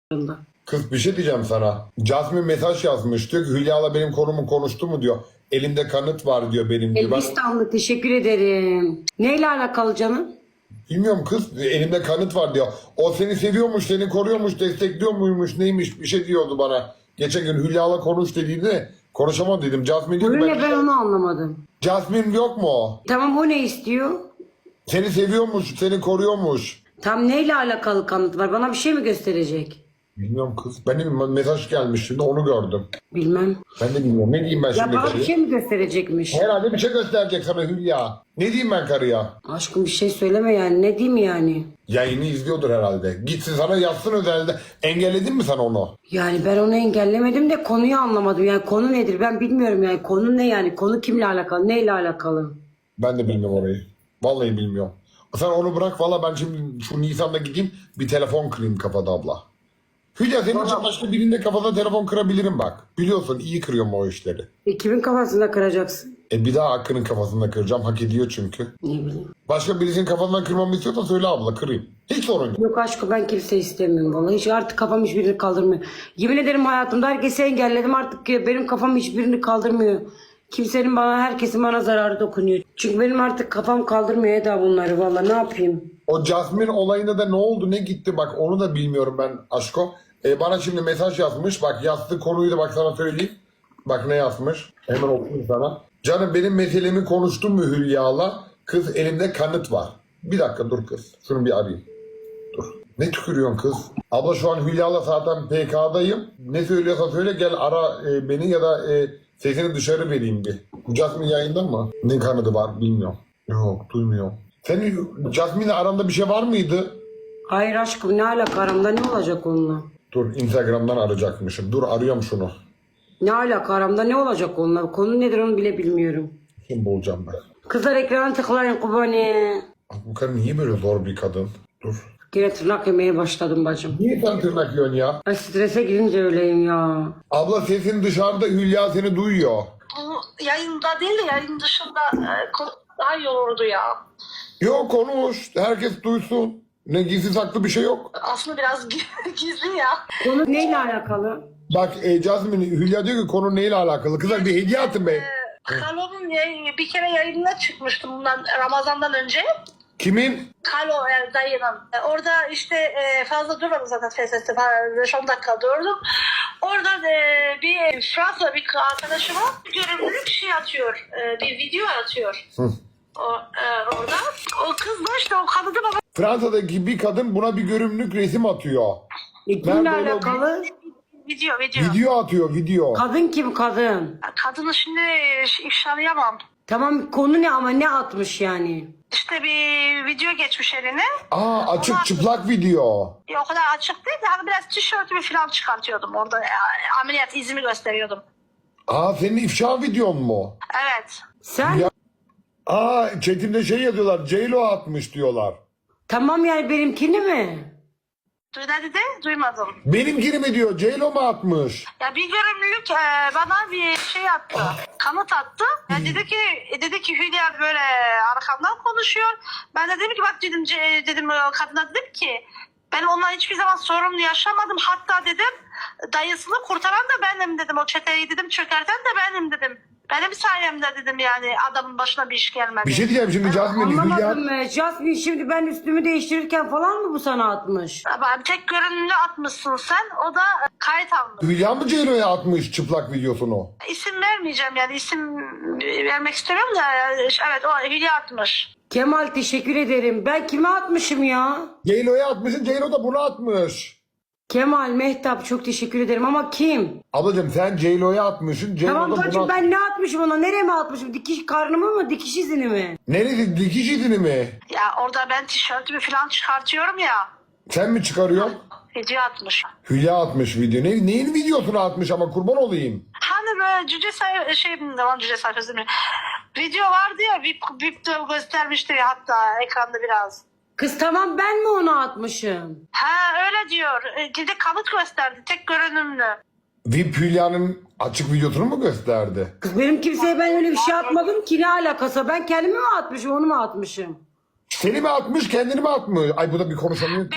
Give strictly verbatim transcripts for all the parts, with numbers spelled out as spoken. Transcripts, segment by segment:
Kız bir şey diyeceğim sana. Jasmine mesaj yazmış. Diyor ki Hülya'la benim konumu konuştu mu diyor. Elimde kanıt var diyor benim diyor. Ben Elbistanlı teşekkür ederim. Neyle alakalı canım? bilmiyorum kız elimde kanıt var diyor. O seni seviyormuş, seni koruyormuş, destekliyor muymuş, neymiş bir şey diyordu bana. Geçen gün Hülya'la konuş dediğinde konuşamam dedim. Jasmine diyor ki Öyle ben... ben onu anlamadım. Jasmine yok mu o? Tamam o ne istiyor? Seni seviyormuş, seni koruyormuş. Tam neyle alakalı kanıt var? Bana bir şey mi gösterecek? Bilmiyorum kız. Benim mesaj gelmiş şimdi onu gördüm. Bilmem. Ben de bilmiyorum. Ne diyeyim ben Ya şimdi bana bir karıya? şey mi gösterecekmiş? Herhalde bir şey gösterecek sana Hülya. Ne diyeyim ben karıya? Aşkım bir şey söyleme yani. Ne diyeyim yani? Yayını izliyordur herhalde. Gitsin sana yazsın özelde. Engelledin mi sen onu? Yani ben onu engellemedim de konuyu anlamadım. Yani konu nedir ben bilmiyorum yani. Konu ne yani? Konu kimle alakalı? Neyle alakalı? Ben de bilmiyorum orayı. Vallahi bilmiyorum. Sen onu bırak valla ben şimdi şu Nisan'da gideyim bir telefon kırayım kafada abla. Hülya senin için başka birinde kafada telefon kırabilirim bak. Biliyorsun iyi kırıyorum o işleri. E, kimin kafasında kıracaksın? E bir daha Hakkı'nın kafasında kıracağım. Hak ediyor çünkü. Ne bileyim. Başka birisinin kafasından kırmamı istiyorsan söyle abla kırayım. Hiç sorun yok. Yok aşkım ben kimse istemiyorum vallahi. Hiç artık kafam hiçbirini kaldırmıyor. Yemin ederim hayatımda herkesi engelledim artık benim kafam hiçbirini kaldırmıyor. Kimsenin bana, herkesin bana zararı dokunuyor. Çünkü benim artık kafam kaldırmıyor Eda bunları vallahi ne yapayım? O Jasmine olayında da ne oldu ne gitti bak onu da bilmiyorum ben aşko. E, bana şimdi mesaj yazmış bak yazdığı konuyu da bak sana söyleyeyim. Bak ne yazmış hemen okuyayım sana. Canım benim meselemi konuştun mu Hülya'la? Kız elimde kanıt var. Bir dakika dur kız şunu bir arayayım. Dur. Ne tükürüyorsun kız? Abla şu an Hülya'la zaten P K'dayım. Ne söylüyorsa söyle gel ara e, beni ya da e, sesini dışarı vereyim bir. Jasmine yayında mı? Ne kanadı var bilmiyorum. Yok duymuyorum. Senin Jasmine'le aranda bir şey var mıydı? Hayır aşkım ne alaka aramda ne olacak onunla? Dur Instagram'dan arayacakmışım. Dur arıyorum şunu. Ne alaka aramda ne olacak onunla? Konu nedir onu bile bilmiyorum. Kim bulacağım ben? Kızlar ekrana tıklayın kubani. Bu kadın niye böyle zor bir kadın? Dur. Yine tırnak yemeye başladım bacım. Niye sen tırnak yiyorsun ya? Ay strese girince öyleyim ya. Abla sesin dışarıda Hülya seni duyuyor. Bu yayında değil de yayın dışında e, konu daha iyi olurdu ya. Yok konuş. Herkes duysun. Ne gizli saklı bir şey yok. Aslında biraz gizli ya. Konu neyle alakalı? Bak e, Jasmine Hülya diyor ki konu neyle alakalı? Kızlar bir hediye atın be. Kalo'nun yayın- bir kere yayınına çıkmıştım bundan Ramazan'dan önce. Kimin? Kalo yani dayının. E, Orada işte e, fazla durmadım zaten F S S'te beş on dakika durdum. Orada e, bir Fransa bir arkadaşıma görevlilik şey atıyor. E, bir video atıyor. Hı. O, e, orada. O kız da işte o kadını bana Fransa'daki bir kadın buna bir görünümlük resim atıyor. E, kimle Nerede o? alakalı? video video. Video atıyor video. Kadın kim kadın? Kadını şimdi ifşalayamam. Tamam konu ne ama ne atmış yani? İşte bir video geçmiş eline. Aa açık çıplak video. Ya, o kadar açık değil de hani biraz tişörtümü falan çıkartıyordum orada. Ya, ameliyat izimi gösteriyordum. Aa senin ifşa videon mu? Evet. Sen Ya- Aa chatimde şey yazıyorlar. J-Lo atmış diyorlar. tamam yani benimkini mi? Duy ne dedi? Duymadım. Benimkini mi diyor? J-Lo mu atmış? Ya bir görümlülük e, bana bir şey attı. Kanıt attı. Ya dedi ki dedi ki Hülya böyle arkamdan konuşuyor. Ben de dedim ki bak dedim ce- dedim o kadına dedim ki ben onunla hiçbir zaman sorun yaşamadım. Hatta dedim dayısını kurtaran da benim dedim. O çeteyi dedim çökerten de benim dedim. Benim sayemde dedim yani adamın başına bir iş gelmedi. Bir şey diyeceğim şimdi Jasmine Hülya. Anlamadım mı? Jasmine şimdi ben üstümü değiştirirken falan mı bu sana atmış? Ama tek görünümlü atmışsın sen. O da kayıt almış. Hülya mı J-Lo'ya atmış çıplak videosunu? İsim vermeyeceğim yani isim vermek istemiyorum da evet o Hülya atmış. Kemal teşekkür ederim. Ben kime atmışım ya? J-Lo'ya atmışsın J-Lo da bunu atmış. Kemal, Mehtap çok teşekkür ederim ama kim? Ablacığım sen J-Lo'ya atmışsın J-Lo Tamam da bunu bacım at- ben ne atmışım ona? Nereye mi atmışım? Dikiş karnımı mı? Dikiş izini mi? Neresi dikiş izini mi? Ya orada ben tişörtümü falan çıkartıyorum ya. Sen mi çıkarıyorsun? Video atmış. Hülya atmış video. Ne, neyin videosunu atmış ama kurban olayım. Hani böyle cüce sayfa şey devam cüce sayfası değil mi? Video vardı ya vip, vip de göstermişti ya hatta ekranda biraz. Kız tamam ben mi onu atmışım? Ha öyle diyor. E, Bir de kanıt gösterdi tek görünümlü. V I P Hülya'nın açık videosunu mu gösterdi? Kız benim kimseye ben öyle bir şey atmadım ki ne alakası? Ben kendimi mi atmışım onu mu atmışım? Seni mi atmış kendini mi atmış? Ay bu da bir konuşamıyor ki. Beni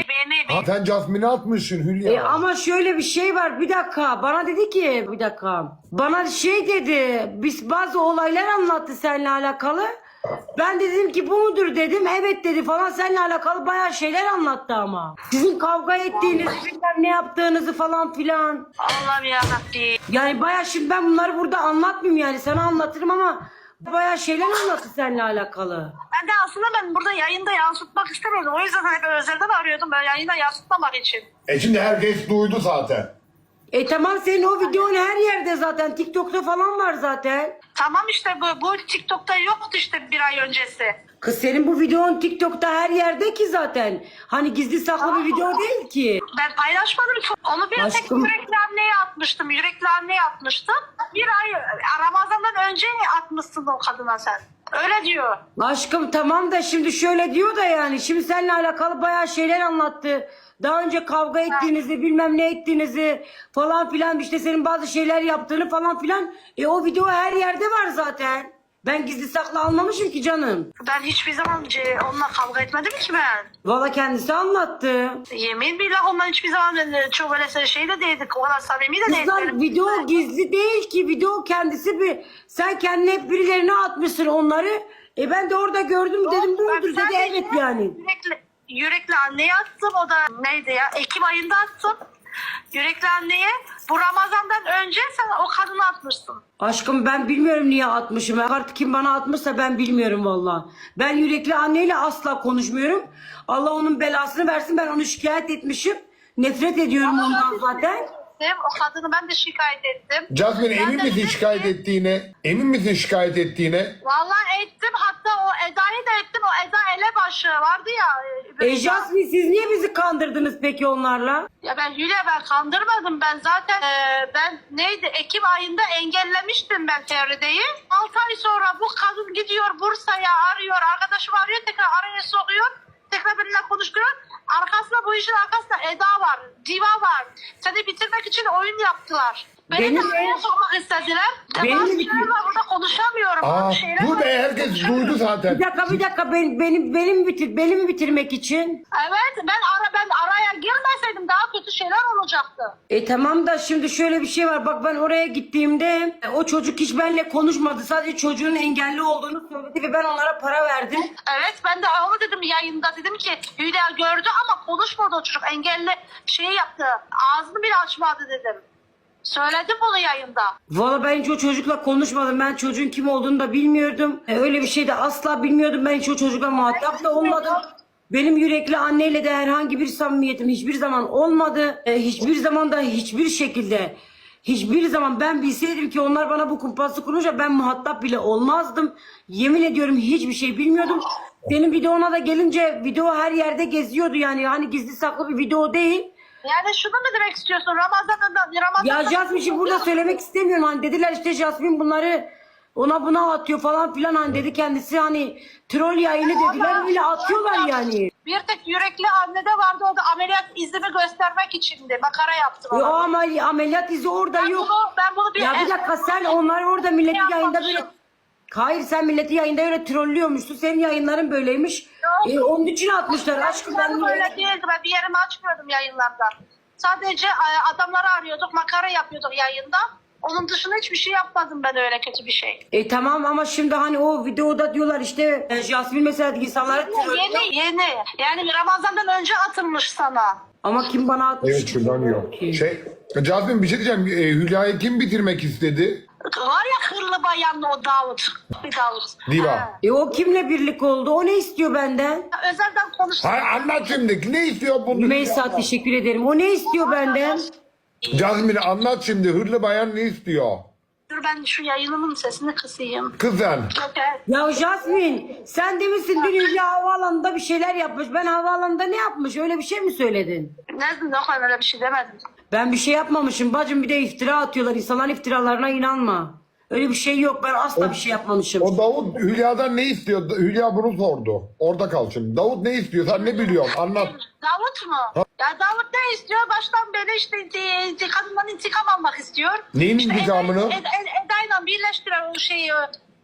Ha, sen Jasmine'e atmışsın Hülya. E ama şöyle bir şey var, bir dakika, bana dedi ki, bir dakika, bana şey dedi, biz bazı olaylar anlattı seninle alakalı. Ben de dedim ki bu mudur dedim, evet dedi falan, seninle alakalı bayağı şeyler anlattı ama. Sizin kavga ettiğinizi, bilmem ne yaptığınızı falan filan. Allah'ım yarabbim. Yani bayağı, şimdi ben bunları burada anlatmayayım, yani sana anlatırım ama bayağı şeyler anlattı seninle alakalı. Ben de aslında ben burada yayında yansıtmak istemiyordum. O yüzden hep özelden arıyordum ben yayında yansıtmamak için. E şimdi herkes duydu zaten. E tamam, senin o videon her yerde zaten, TikTok'ta falan var zaten. Tamam işte bu, bu TikTok'ta yoktu işte bir ay öncesi. Kız senin bu videon TikTok'ta her yerde ki zaten. Hani gizli saklı bir video değil ki. Ben paylaşmadım ki. Onu bir tek Aşkım. yürekli anneye atmıştım. Yürekli anneye atmıştım. Bir ay Ramazan'dan önce atmışsın o kadına sen. Öyle diyor. Aşkım tamam da şimdi şöyle diyor da, yani şimdi seninle alakalı bayağı şeyler anlattı. Daha önce kavga ettiğinizi, bilmem ne ettiğinizi falan filan, işte senin bazı şeyler yaptığını falan filan. E o video her yerde var zaten. Ben gizli saklı almamışım ki canım. Ben hiçbir zaman ce- onunla kavga etmedim ki ben. Valla kendisi anlattı. Yemin billah onunla hiçbir zaman ben çok öyle şey de değildik. O kadar samimi de değildik. Kızlar video gizli değil ki, video kendisi bir, sen kendine hep birilerine atmışsın onları. E ben de orada gördüm, dedim bu Ben mudur dedi, sadece evet yani. Yürekli, yürekli anneye attım. O da neydi ya? Ekim ayında attım. Yürekli anneye. Bu Ramazan'dan önce sen o kadını atmışsın. Aşkım ben bilmiyorum niye atmışım. Artık kim bana atmışsa ben bilmiyorum valla. Ben yürekli anneyle asla konuşmuyorum. Allah onun belasını versin, ben onu şikayet etmişim. Nefret ediyorum ondan zaten. O kadını ben de şikayet ettim. Jasmine Ben emin de misin dedim şikayet ki- ettiğine? Emin misin şikayet ettiğine? Vallahi ettim. Hatta o Eda'yı da ettim. O Eda Elebaşı vardı ya. E Jasmine, siz niye bizi kandırdınız peki onlarla? Ya ben Hülya ben kandırmadım. Ben zaten e, ben neydi Ekim ayında engellemiştim ben Feride'yi. altı ay sonra bu kadın gidiyor Bursa'ya arıyor. Arkadaşım arıyor, tekrar araya sokuyor. Tekrar benimle konuşuyor. Arkasında bu işin arkasında Eda var. Diva var. Seni bitirmek için oyun yaptılar. Beni Benim- de araya sokmak istediler. Benim- Bazı şeyler var, burada konuşamıyorum. Aa, Bazı şeyler dur var. be, herkes duydu zaten. Bir dakika bir dakika, ben, benim, benim, bitir, benim bitirmek için. Evet ben ara ben araya girmeseydim daha kötü şeyler olacaktı. E tamam da şimdi şöyle bir şey var. Bak ben oraya gittiğimde o çocuk hiç benimle konuşmadı. Sadece çocuğun engelli olduğunu söyledi ve ben onlara para verdim. Evet ben de onu dedim yayında, dedim ki Hülya gördü ama konuşmadı o çocuk, engelli şeyi yaptı, ağzını bile açmadı dedim. Söyledim bunu yayında. Valla ben hiç o çocukla konuşmadım. Ben çocuğun kim olduğunu da bilmiyordum. E, öyle bir şey de asla bilmiyordum. Ben hiç o çocukla muhatap da olmadım. Benim yürekli anneyle de herhangi bir samimiyetim hiçbir zaman olmadı. E, hiçbir zaman da hiçbir şekilde, hiçbir zaman ben bilseydim ki onlar bana bu kumpaslı kurunca ben muhatap bile olmazdım. Yemin ediyorum hiçbir şey bilmiyordum. Senin videona da gelince video her yerde geziyordu yani. Hani gizli saklı bir video değil. Yani şunu mu demek istiyorsun? Ramazan'da Ramazan'da Ya Jasmine şimdi burada söylemek istemiyorum. Hani dediler işte Jasmine bunları ona buna atıyor falan filan, hani dedi kendisi, hani troll yayını dediler, öyle atıyorlar yani. bir tek yürekli annede vardı, o da ameliyat izimi göstermek içindi. Makara yaptım Ya ona. ama ameliyat izi orada Ben yok. bunu, ben bunu bir... Ya bir dakika, sen onlar orada milleti Ne yayında böyle... yapmamışım? Hayır, sen milleti yayında öyle trollüyormuşsun. Senin yayınların böyleymiş. Yok. E, onun için atmışlar. Aşkım ben... Ben öyle değildi. Ben bir yerimi açmıyordum yayınlarda. Sadece e, adamları arıyorduk, makara yapıyorduk yayında. Onun dışında hiçbir şey yapmadım ben, öyle kötü bir şey. E tamam ama şimdi hani o videoda diyorlar işte e, Jasmine mesela insanları trollüyor. Yeni, yeni. Yani Ramazan'dan önce atılmış sana. Ama kim bana atmış? Evet, şuradan yok. Şey, Jasmine bir şey diyeceğim. E, Hülya'yı kim bitirmek istedi? Var ya hırlı bayanlı o Davut. Bir Davut. Diva. Ha. E o kimle birlik oldu? O ne istiyor benden? Özelden konuştum. Hayır, anlat şimdi. Ne istiyor bunu? Meysa teşekkür ederim. O ne istiyor benden? Jasmine anlat şimdi. Hırlı bayan ne istiyor? Dur ben şu yayınımın sesini kısayım. Kızın. Okay. Ya Jasmine sen demişsin dün Hülya havaalanında bir şeyler yapmış. Ben havaalanında ne yapmış? Öyle bir şey mi söyledin? Ne, yok ben öyle bir şey demedim. Ben bir şey yapmamışım bacım, bir de iftira atıyorlar. İnsanların iftiralarına inanma. Öyle bir şey yok, ben asla bir şey yapmamışım. O Davut Hülya'dan ne istiyor? Hülya bunu sordu. Orada kal şimdi. Davut ne istiyor? Sen ne biliyorsun? Anlat. Davut mu? Ya Davut ne istiyor? Baştan beri işte e, kadından intikam almak istiyor. Neyin İşte intikamını? Eda, Eda, Eda'yla birleştiren o şeyi,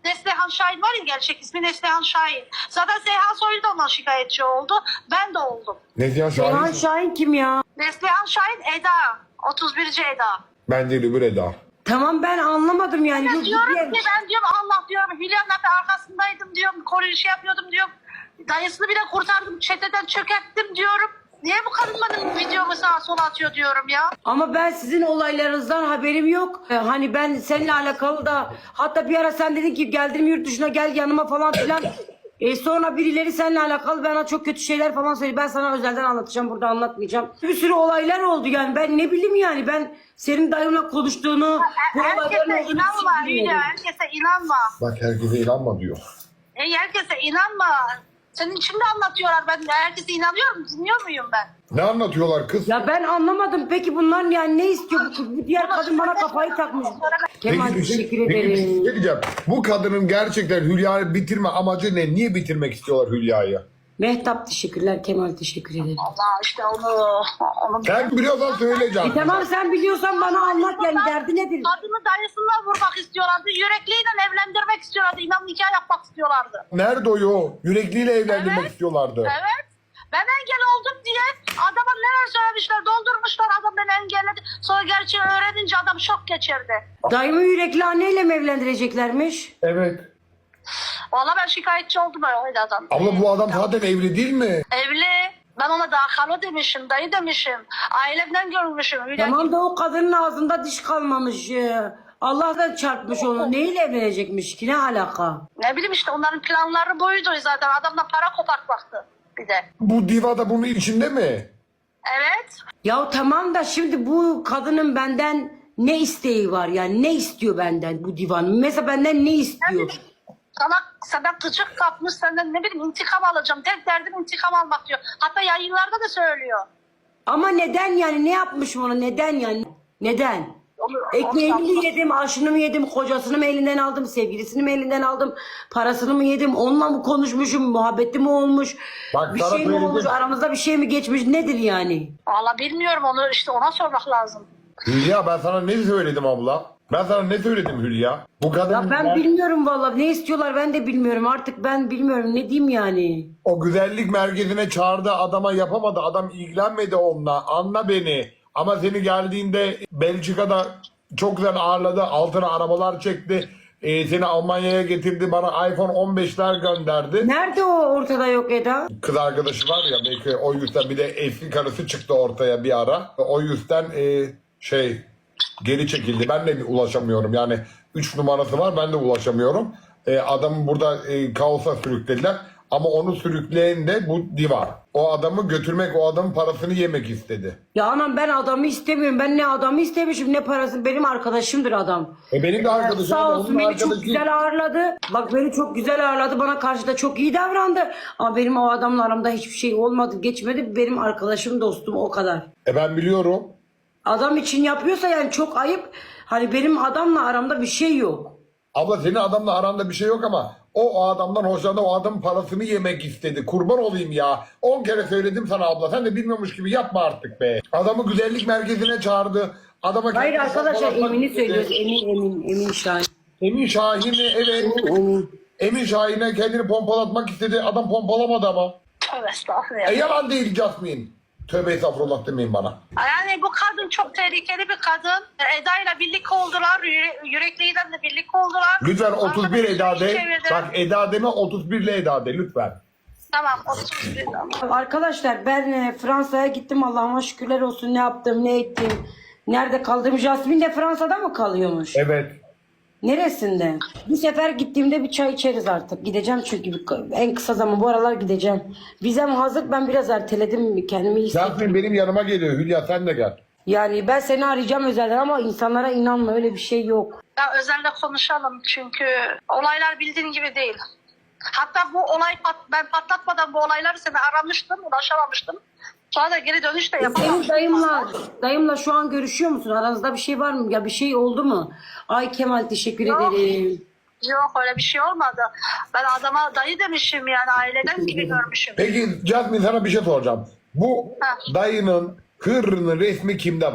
Neslihan Şahin var ya, gerçek ismi Neslihan Şahin. Zaten Seyhan Soylu da ondan şikayetçi oldu. Ben de oldum. Neslihan Seyhan Şahin. Şahin kim ya? Neslihan Şahin Eda. otuz birinci Eda. Ben değil öbür Eda. Tamam ben anlamadım yani. Ben Yok, diyorum diğer- ki ben diyorum Allah diyorum Hülya'nın arkasındaydım diyorum. Koruyu şey yapıyordum diyorum. Dayısını bile kurtardım. Çeteden çökerttim diyorum. Niye bu kadın benim videomu sağa sola atıyor diyorum ya. Ama ben sizin olaylarınızdan haberim yok. Ee, Hani ben seninle alakalı da hatta bir ara sen dedin ki geldim yurt dışına gel yanıma falan filan. E sonra birileri seninle alakalı bana çok kötü şeyler falan söyledi. Ben sana özelden anlatacağım, burada anlatmayacağım. Bir sürü olaylar oldu yani. Ben ne bileyim yani, ben senin dayımla konuştuğunu, bu olayların Herkese olduğunu inanma hiç bilmiyordum. Hülya. Herkese inanma. Bak herkese inanma diyor. E, herkese inanma. Senin için de anlatıyorlar. Ben herkese inanıyorum. Dinliyor muyum ben? Ne anlatıyorlar kız? Ya ben anlamadım. Peki bunlar yani ne istiyor? Bu, bu diğer kadın bana kafayı takmış. Kemal Peki bir şey- teşekkür peki bir şey ederim. diyeceğim. Bu kadının gerçekten Hülya'yı bitirme amacı ne? Niye bitirmek istiyorlar Hülya'yı? Mehtap teşekkürler. Kemal teşekkür ederim. Allah işte onu... onu Sen biliyorsan söyleyeceğim. E tamam sen biliyorsan bana anlat yani, derdi nedir? Kadını dayısından vurmak istiyorlardı. Yürekliyle evlendirmek istiyorlardı. İnan nikah yapmak istiyorlardı. Nerede o yo? Yürekliyle evlendirmek Evet. istiyorlardı. Evet. Ben engel oldum diye adama neler söylemişler, doldurmuşlar, adam beni engelledi. Sonra gerçeği öğrenince adam şok geçirdi. Dayımı yürekli anneyle mi evlendireceklermiş? Evet. Vallahi ben şikayetçi oldum öyle adam. Abla bu adam zaten evli değil mi? Evli. Ben ona daha kalo demişim, dayı demişim. Ailemden görmüşüm. Hülya Tamam da o kadının ağzında diş kalmamış. Ee, Allah da çarpmış onu. Neyle evlenecekmiş ki? Ne alaka? Ne bileyim işte onların planları buydu zaten. Adamdan para kopartmaktı bir de. Bu diva da bunun içinde mi? Evet. Ya tamam da şimdi bu kadının benden ne isteği var yani? Ne istiyor benden bu divan? Mesela benden ne istiyor? Sana senden gıcık kapmış, senden ne bileyim intikam alacağım. Tek derdim intikam almak diyor. Hatta yayınlarda da söylüyor. Ama neden yani? Ne yapmış ona? Neden yani? Neden? Onu, Ekmeğini onu- mi yedim, aşını mı yedim, kocasını mı elinden aldım, sevgilisini mi elinden aldım, parasını mı yedim, onunla mı konuşmuşum, muhabbeti mi olmuş, Bak, bir sana şey mi söyledim. olmuş, aramızda bir şey mi geçmiş, nedir yani? Valla bilmiyorum, onu işte ona sormak lazım. Hülya ben sana ne söyledim abla? Ben sana ne söyledim Hülya? Bu kadın Ya ben bilmiyorum vallahi, ne istiyorlar ben de bilmiyorum, artık ben bilmiyorum, ne diyeyim yani. o güzellik merkezine çağırdı adama yapamadı. Adam ilgilenmedi onunla. Anla beni. Ama seni geldiğinde Belçika'da çok güzel ağırladı. Altına arabalar çekti. Ee, seni Almanya'ya getirdi. Bana iPhone on beşler gönderdi. Nerede o ortada yok Eda? Kız arkadaşı var ya belki o yüzden, bir de eski karısı çıktı ortaya bir ara. O yüzden e, şey geri çekildi. Ben de ulaşamıyorum. Yani üç numarası var, ben de ulaşamıyorum. E, adamı burada e, kaosa sürüklediler. Ama onu sürükleyen de bu diva. O adamı götürmek, o adamın parasını yemek istedi. Ya anam ben adamı istemiyorum, ben ne adamı istemişim ne parasını, benim arkadaşımdır adam. E benim de arkadaşım. Sağ onun olsun beni çok arkadaşı- güzel ağırladı. Bak beni çok güzel ağırladı. Bana karşı da çok iyi davrandı. Ama benim o adamla aramda hiçbir şey olmadı. Geçmedi. Benim arkadaşım, dostum, o kadar. E ben biliyorum. Adam için yapıyorsa yani çok ayıp. Hani benim adamla aramda bir şey yok. Abla senin adamla aranda bir şey yok ama o, o adamdan hoşlandı, o adamın parasını yemek istedi. Kurban olayım ya. On kere söyledim sana abla. Sen de bilmiyormuş gibi yapma artık be. Adamı güzellik merkezine çağırdı. Adama Hayır kendini arkadaşlar, fotoğrafmak Emin'i istedi. söylüyoruz. Emin, Emin, Emin Şahin. Emin Şahin'i evet. Emin. Emin Şahin'e kendini pompalatmak istedi. Adam pompalamadı ama. Tövbe estağfurullah. E yalan değil Jasmine. Tövbe estağfurullah demeyin bana. Yani bu kadın çok tehlikeli bir kadın. Eda ile birlikte oldular. Yüre- Yürekliyle de birlikte oldular. Lütfen otuz bir Eda de. Çevirdi. Bak Eda deme, otuz bir ile Eda de lütfen. Tamam otuz bir. Arkadaşlar ben e, Fransa'ya gittim. Allah'ıma şükürler olsun. Ne yaptım, ne ettim. Nerede kaldım? Jasmine de Fransa'da mı kalıyormuş? Evet. Neresinde? Bir sefer gittiğimde bir çay içeriz artık. Gideceğim çünkü bir- en kısa zaman bu aralar gideceğim. Vizem hazır, ben biraz erteledim, kendimi iyi hissettim. Jasmine benim yanıma geliyor. Hülya sen de gel. Yani ben seni arayacağım özelden ama insanlara inanma, öyle bir şey yok. Ya özelde konuşalım çünkü olaylar bildiğin gibi değil. Hatta bu olay pat, ben patlatmadan bu olayları seni aramıştım, ulaşamamıştım. Sonra da geri dönüş de Senin yapamamıştım. dayımla, dayımla şu an görüşüyor musun? Aranızda bir şey var mı? Ya bir şey oldu mu? Ay Kemal teşekkür Yok. ederim. Yok öyle bir şey olmadı. Ben adama dayı demişim, yani aileden gibi görmüşüm. Peki Jasmine sana bir şey soracağım. Bu Ha. dayının hırrının resmi kimde var?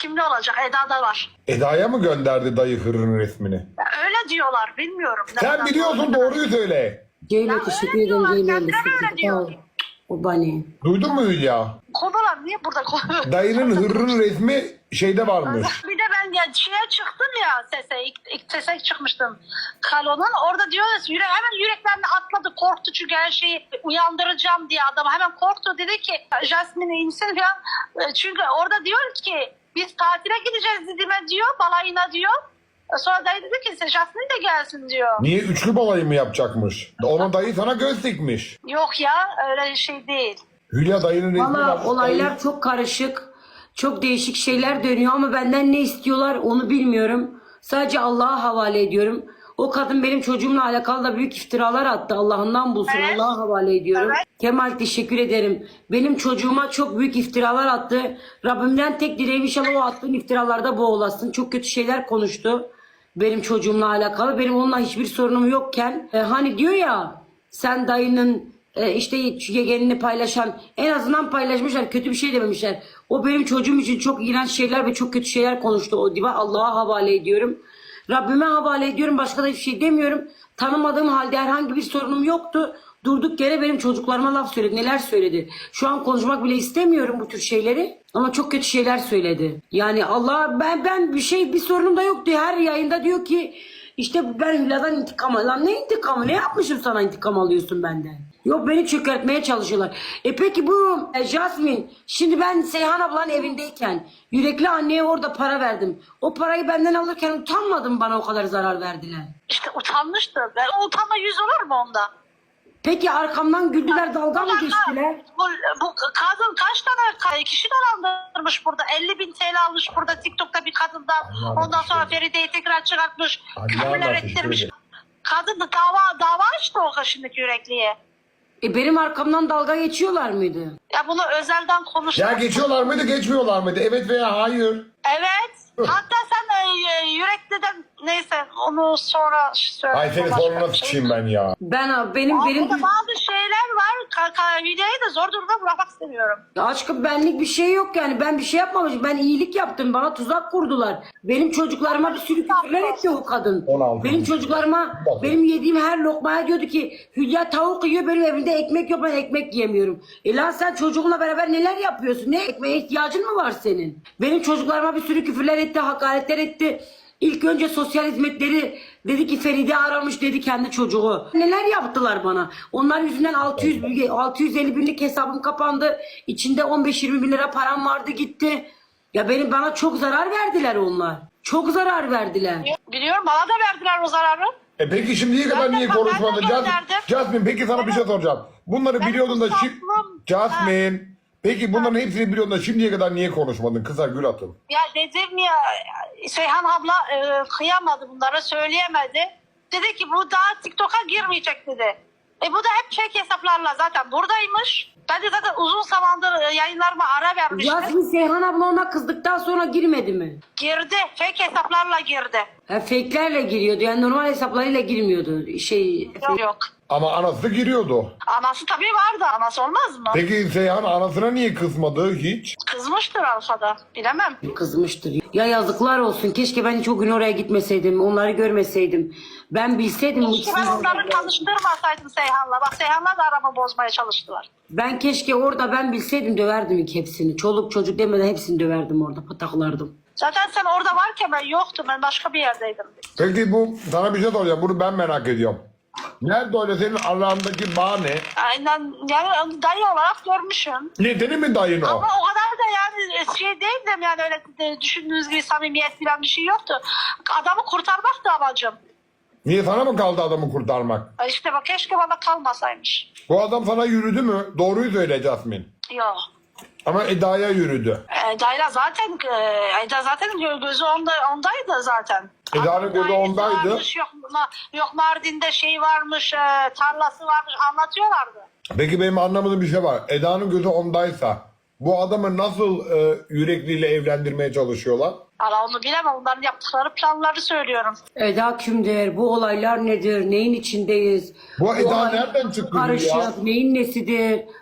kimde olacak? Eda'da var. Eda'ya mı gönderdi dayı hırrın resmini? Ya öyle diyorlar, bilmiyorum. Sen Nereden biliyorsun, doğru. doğruyu söyle. Ceylo Ya teşekkür öyle ederim diyorlar, Ceylo. kendileri öyle Sağ diyor. ol. O bani. Duydun mu Hülya? Konular niye burada konu? Dayının hırrın resmi şeyde varmış. Bir de ben ya şeye çıktım ya sese, ilk, ilk sese çıkmıştım. Kalonun orada diyorlar yürek, hemen yüreklerini atladı, korktu çünkü her şeyi uyandıracağım diye adam hemen korktu, dedi ki Jasmine iyi misin falan. E, çünkü orada diyor ki biz tatile gideceğiz Didim'e diyor, balayına diyor. E, Sonra dayı dedi ki Jasmine de gelsin diyor. Niye üçlü balayı mı yapacakmış? Onun dayı sana göz dikmiş. Yok ya, öyle şey değil. Hülya dayının resmi Valla varmış. olaylar çok karışık. Çok değişik şeyler dönüyor ama benden ne istiyorlar onu bilmiyorum. Sadece Allah'a havale ediyorum. O kadın benim çocuğumla alakalı da büyük iftiralar attı. Allah'ından bulsun. Evet. Allah'a havale ediyorum. Evet. Kemal teşekkür ederim. Benim çocuğuma çok büyük iftiralar attı. Rabbimden tek dileğim inşallah o attığın iftiralarda boğulasın. Çok kötü şeyler konuştu. Benim çocuğumla alakalı. Benim onunla hiçbir sorunum yokken. e, hani diyor ya sen dayının e, işte yegenini paylaşan, en azından paylaşmışlar, kötü bir şey dememişler. O benim çocuğum için çok iğrenç şeyler ve çok kötü şeyler konuştu o diva. Allah'a havale ediyorum. Rabbime havale ediyorum. Başka da hiçbir şey demiyorum. Tanımadığım halde herhangi bir sorunum yoktu. Durduk yere benim çocuklarıma laf söyledi. Neler söyledi. Şu an konuşmak bile istemiyorum bu tür şeyleri. Ama çok kötü şeyler söyledi. Yani Allah, ben ben bir şey bir sorunum da yoktu. Her yayında diyor ki işte ben Hülya'dan intikam al. Lan ne intikamı? Ne yapmışım sana intikam alıyorsun benden? Yok, beni çökertmeye çalışıyorlar. E peki bu e, Jasmine, şimdi ben Seyhan ablanın evindeyken yürekli anneye orada para verdim. O parayı benden alırken utanmadım, bana o kadar zarar verdiler. İşte utanmıştı. Ben, o utanma yüz olur mu onda? Peki arkamdan güldüler, dalga mı geçtiler? Bu, bu kadın kaç tane kişi dolandırmış burada? elli bin T L almış burada TikTok'ta bir kadından. Allah Ondan sonra teşekkür Feride'yi tekrar çıkartmış. Allah Küfürler teşekkür ettirmiş. ederim. Kadın da dava, dava açtı o şimdiki yürekliye. E benim arkamdan dalga geçiyorlar mıydı? Ya bunu özelden konuştuk. Ya geçiyorlar mıydı, geçmiyorlar mıydı? Evet veya hayır. Evet. Hatta sen e, yürekliden neyse onu sonra söyle. Ay seni soruna sıçayım ben ya. Ben benim Ama benim burada bazı şeyler var. Ka- Hülya'yı da zor durumda bırakmak istemiyorum. Ya aşkım, benlik bir şey yok yani. Ben bir şey yapmamışım. Ben iyilik yaptım. Bana tuzak kurdular. Benim çocuklarıma bir sürü küfürler etti o kadın. on altı. Benim çocuklarıma, benim yediğim her lokmaya diyordu ki Hülya tavuk yiyor, benim evimde ekmek yok, ben ekmek yemiyorum. E lan sen çocuğunla beraber neler yapıyorsun? Ne ekmeğe ihtiyacın mı var senin? Benim çocuklarıma bir sürü küfürler etti, hakaretler etti. İlk önce sosyal hizmetleri dedi ki Feride aramış dedi kendi çocuğu. Neler yaptılar bana? Onlar yüzünden altı yüz, altı yüz elli binlik hesabım kapandı. İçinde on beş yirmi bin lira param vardı, gitti. Ya benim bana çok zarar verdiler onlar. Çok zarar verdiler. Biliyorum, bana da verdiler o zararı. E peki şimdiye kadar Ben de- niye ben de konuşmadın? Jasmine, gönderdim. Jasmine peki sana bir şey soracağım. Bunları Ben biliyordun da şimdi... uzaklım. Jasmine, peki bunların hepsini biliyordun da şimdiye kadar niye konuşmadın? Kıza gül atın. Ya dedim ya, Seyhan abla e, kıyamadı bunlara, söyleyemedi. Dedi ki bu daha TikTok'a girmeyecek dedi. E bu da hep fake hesaplarla zaten buradaymış. Ben de zaten uzun zamandır e, yayınlarıma ara vermiştim. Yasmin Seyhan abla ona kızdıktan sonra girmedi mi? Girdi, fake hesaplarla girdi. Ha, fake'lerle giriyordu. Yani normal hesaplarıyla girmiyordu. Şey, Yok yok. Ama anası giriyordu. Anası tabii vardı, anası olmaz mı? Peki Seyhan anasına niye kızmadı hiç? Kızmıştır arkada, bilemem. kızmıştır. Ya yazıklar olsun. Keşke ben hiç o gün oraya gitmeseydim. Onları görmeseydim. Ben bilseydim. Keşke ben onları tanıştırmasaydım Seyhan'la. Bak Seyhan'la da aramı bozmaya çalıştılar. Ben keşke orada ben bilseydim döverdim ilk hepsini. Çoluk çocuk demeden hepsini döverdim orada. Pataklardım. Zaten sen orada varken ben yoktum. Ben başka bir yerdeydim. Peki bu sana bir şey soracağım. Bunu ben merak ediyorum. Nerede öyle senin arandaki bağ ne? Aynen, yani dayı olarak görmüşüm. Nedeni mi dayın o? Ama o kadar da yani şey değildim yani, öyle de düşündüğünüz gibi samimiyet falan bir şey yoktu. Adamı kurtarmaktı amacım. Niye sana mı kaldı adamı kurtarmak? E İşte bak, keşke bana kalmasaymış. Bu adam sana yürüdü mü? Doğruyu söyle Jasmine. Yok. Ama Eda'ya yürüdü. E, Dayla zaten e, Eda zaten gö- gözü onda, ondaydı zaten. Eda'nın gözü Dairesi ondaydı. Varmış, yok, ma- yok Mardin'de şey varmış, e, tarlası varmış, anlatıyorlardı. Peki benim anlamadığım bir şey var. Eda'nın gözü ondaysa bu adamı nasıl e, yürekliyle evlendirmeye çalışıyorlar? Valla onu bilemem, onların yaptıkları planları söylüyorum. Eda kimdir? Bu olaylar nedir? Neyin içindeyiz? Bu Eda olay nereden çıktı karışık, ya? neyin nesidir?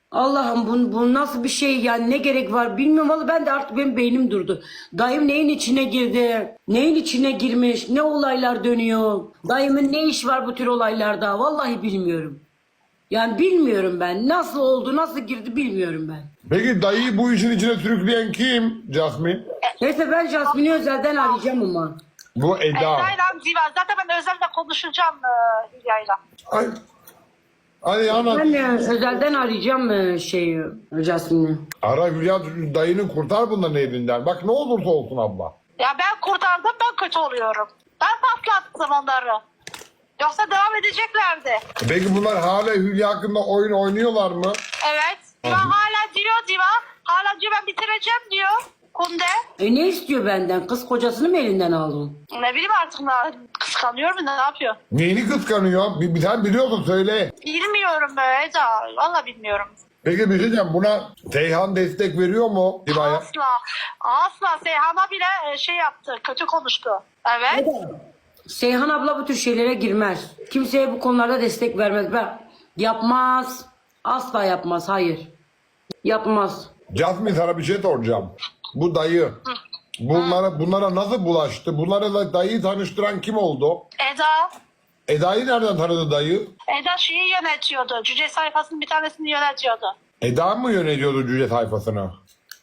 Allah'ım bu, bu nasıl bir şey yani, ne gerek var bilmiyorum. Vallahi ben de artık, benim beynim durdu. Dayım neyin içine girdi? Neyin içine girmiş? Ne olaylar dönüyor? Dayımın ne iş var bu tür olaylarda? Vallahi bilmiyorum. Yani bilmiyorum ben. Nasıl oldu, nasıl girdi bilmiyorum ben. Peki dayıyı bu işin içine sürükleyen kim Jasmine? Neyse ben Jasmine'i özelden arayacağım ama. Bu Eda. Eda'yla Ziva. Zaten ben özellikle konuşacağım e, Hülya'yla. Ay. Hadi anlat. Ben e, özelden arayacağım e, şeyi, Jasmine'i. Ara Hülya, dayını kurtar bunların elinden. Bak ne olursa olsun abla. Ya ben kurtardım, ben kötü oluyorum. Ben patlattım onları. Yoksa devam edeceklerdi. Peki bunlar hala Hülya hakkında oyun oynuyorlar mı? Evet. Diva hala diyor Diva. Hala diyor ben bitireceğim diyor. Kunde. E ne istiyor benden? Kız kocasını mı elinden aldın? Ne bileyim artık ne, kıskanıyor mu ne yapıyor? Neyini kıskanıyor? Bir, bir tane biliyorsun söyle. Bilmiyorum be Eda. Valla bilmiyorum. Peki bir şey diyeceğim, buna Seyhan destek veriyor mu Diva'ya? Asla. Asla Seyhan'a bile e, şey yaptı. Kötü konuştu. Evet. Seyhan abla bu tür şeylere girmez. Kimseye bu konularda destek vermez. Ben yapmaz. Asla yapmaz. Hayır. Yapmaz. Jasmine sana bir şey soracağım. Bu dayı bunlara, bunlara nasıl bulaştı? Bunlara da dayıyı tanıştıran kim oldu? Eda. Eda'yı nereden tanıdı dayı? Eda şeyi yönetiyordu. Cüce sayfasının bir tanesini yönetiyordu. Eda mı yönetiyordu cüce sayfasını?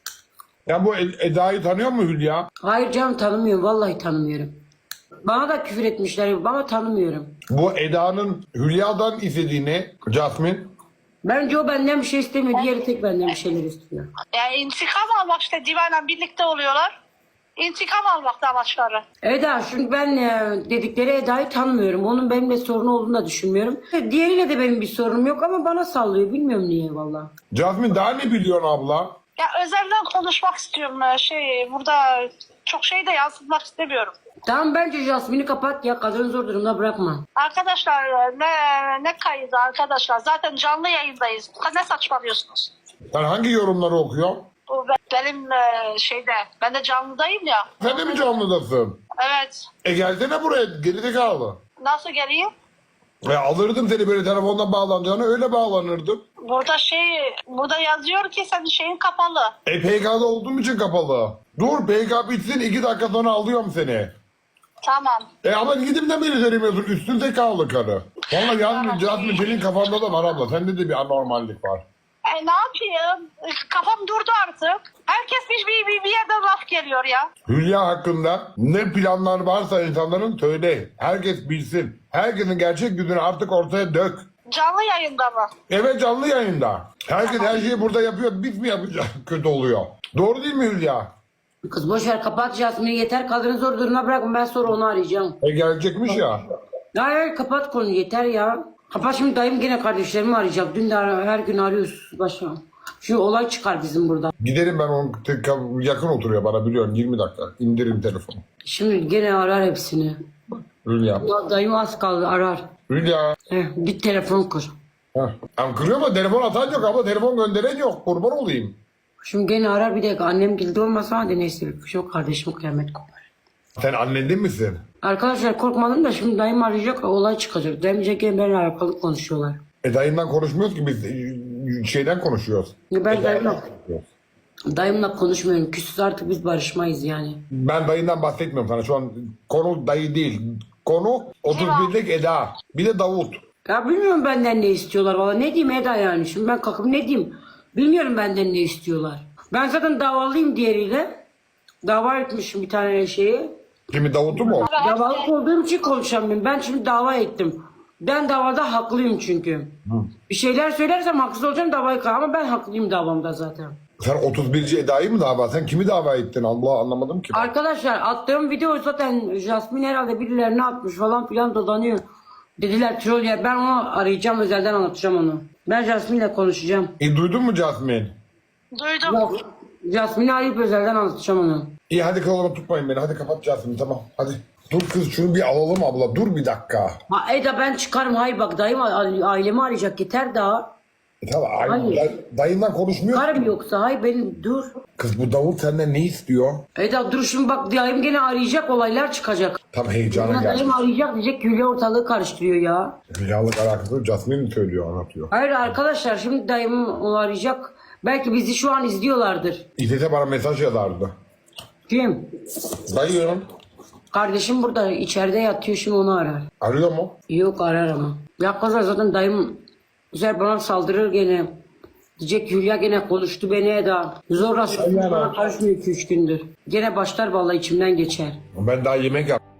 Ya bu Ed- Eda'yı tanıyor mu Hülya? Hayır canım, tanımıyorum. Vallahi tanımıyorum. Bana da küfür etmişler ama tanımıyorum. Bu Eda'nın Hülya'dan istediğini Jasmine. Bence o benden bir şey istemiyor. Diğeri tek benden bir şeyler istiyor. Yani intikam almak işte Diva'yla birlikte oluyorlar. İntikam almakta amaçları. Eda, çünkü ben e, dedikleri Eda'yı tanımıyorum. Onun benimle sorun olduğunu da düşünmüyorum. Diğeriyle de benim bir sorunum yok ama bana sallıyor. Bilmiyorum niye valla. Jasmine daha ne biliyorsun abla? Ya özelden konuşmak istiyorum. e, Şey burada çok şey de yansıtmak istemiyorum. Tamam, bence Jasmine'i kapat ya. Kadını zor durumda bırakma. Arkadaşlar e, ne ne kaydı arkadaşlar. Zaten canlı yayındayız. Ne saçmalıyorsunuz? Sen hangi yorumları okuyorsun? Bu be- benim e, şeyde. Ben de canlıdayım ya. Sen de mi canlıdasın? Evet. E gelsene buraya, gerizekalı. Nasıl geleyim? E alırdım seni, böyle telefondan bağlanacağına öyle bağlanırdım. Burada şey burada yazıyor ki senin şeyin kapalı. E P K'da olduğum için kapalı. Dur P K bitsin, iki dakika sonra alıyorum seni. Tamam. E ama gidip de beni söylemiyorsun, üstün zekalı karı. Valla yalnız Jasmine senin kafanda da var abla, sende de bir anormallik var. E ne yapayım? E, Kafam durdu artık. Herkes bir, bir, bir, bir yerden laf geliyor ya. Hülya hakkında ne planlar varsa insanların söyle. Herkes bilsin. Herkesin gerçek yüzünü artık ortaya dök. Canlı yayında mı? Evet, canlı yayında. Herkes her şeyi burada yapıyor. Biz mi yapacağız? Kötü oluyor. Doğru değil mi Hülya? Kız boş ver, kapat Jasmine'i yeter. Kadını zor durumda bırakma. Ben sonra onu arayacağım. E gelecekmiş ya. Hayır, kapat konuyu yeter ya. Kapat, şimdi dayım gene kardeşlerimi arayacak. Dün de ara- her gün arıyoruz başa. Şu olay çıkar bizim burada. Giderim ben, onun tek- yakın oturuyor bana, biliyorum, yirmi dakika. İndirin telefonu. Şimdi gene arar hepsini. Hülya. Ya dayım az kaldı, arar. Hülya. Heh, git telefon kur. Heh. Ama kırıyor mu? Telefon atan yok ama telefon gönderen yok. Kurban olayım. Şimdi gene arar, bir dakika. Annem gildi olmasa hadi neyse. Şu kardeşim kıyamet kopar. Sen annen değil misin? Arkadaşlar korkmadım da şimdi dayım arayacak, olay çıkacak. Demeyecek ki benimle alakalı konuşuyorlar. E dayından konuşmuyoruz ki biz, e, şeyden konuşuyoruz. Ya ben E, dayımla, dayımla konuşmuyorum. Küsüz artık, biz barışmayız yani. Ben dayından bahsetmiyorum sana. Şu an konu dayı değil. Konu otuz birlik Eda. Bir de Davut. Ya bilmiyorum benden ne istiyorlar valla. Ne diyeyim Eda yani? Şimdi ben kalkıp ne diyeyim? Bilmiyorum benden ne istiyorlar. Ben zaten davalıyım diğeriyle. Dava etmişim bir tane şeyi. Kimi, Davut'u mu? Davalık olduğum için konuşamıyorum. Ben şimdi dava ettim. Ben davada haklıyım çünkü. Bir şeyler söylersem haksız olacağım, davayı kal. Ama ben haklıyım davamda zaten. Sen otuz birci Eda'yı mı dava? Sen kimi dava ettin? Allah, anlamadım ki. Arkadaşlar attığım video zaten Jasmine herhalde birilerine atmış falan filan dolanıyor. Dediler troll ya, ben onu arayacağım, özelden anlatacağım onu. Ben Jasmine'le konuşacağım. E, duydun mu Jasmine? Duydum. Bak, Jasmine'i arayıp özelden anlatacağım onu. İyi hadi kalabalık tutmayın beni. Hadi kapat Jasmine, tamam. Hadi. Dur kız, şunu bir alalım abla. Dur bir dakika. Ha Eda, ben çıkarım. Hayır bak, dayım a- ailemi arayacak, yeter daha. E tamam, ay- Hayır. day- dayından konuşmuyor. Karım yoksa hayır benim dur. Kız bu Davut senden ne istiyor? Eda dur şimdi bak dayım gene arayacak olaylar çıkacak. Tam heyecana Bana geldi. dayım arayacak diyecek ki Hülya ortalığı karıştırıyor ya. Hülyalık alakası Jasmine mi söylüyor, anlatıyor. Hayır arkadaşlar şimdi dayım onu arayacak. Belki bizi şu an izliyorlardır. İzzete bana mesaj yazardı. Kim? Dayıyorum. Kardeşim burada içeride yatıyor şimdi onu arar. Arıyor mu? Yok arar ama. Ya kızlar zaten dayım güzel bana saldırır gene. Diyecek Hülya gene konuştu beni Eda. Zorla Aynen. bana karışmıyor iki üç gündür. Gene başlar vallahi içimden geçer. Ben daha yemek yap.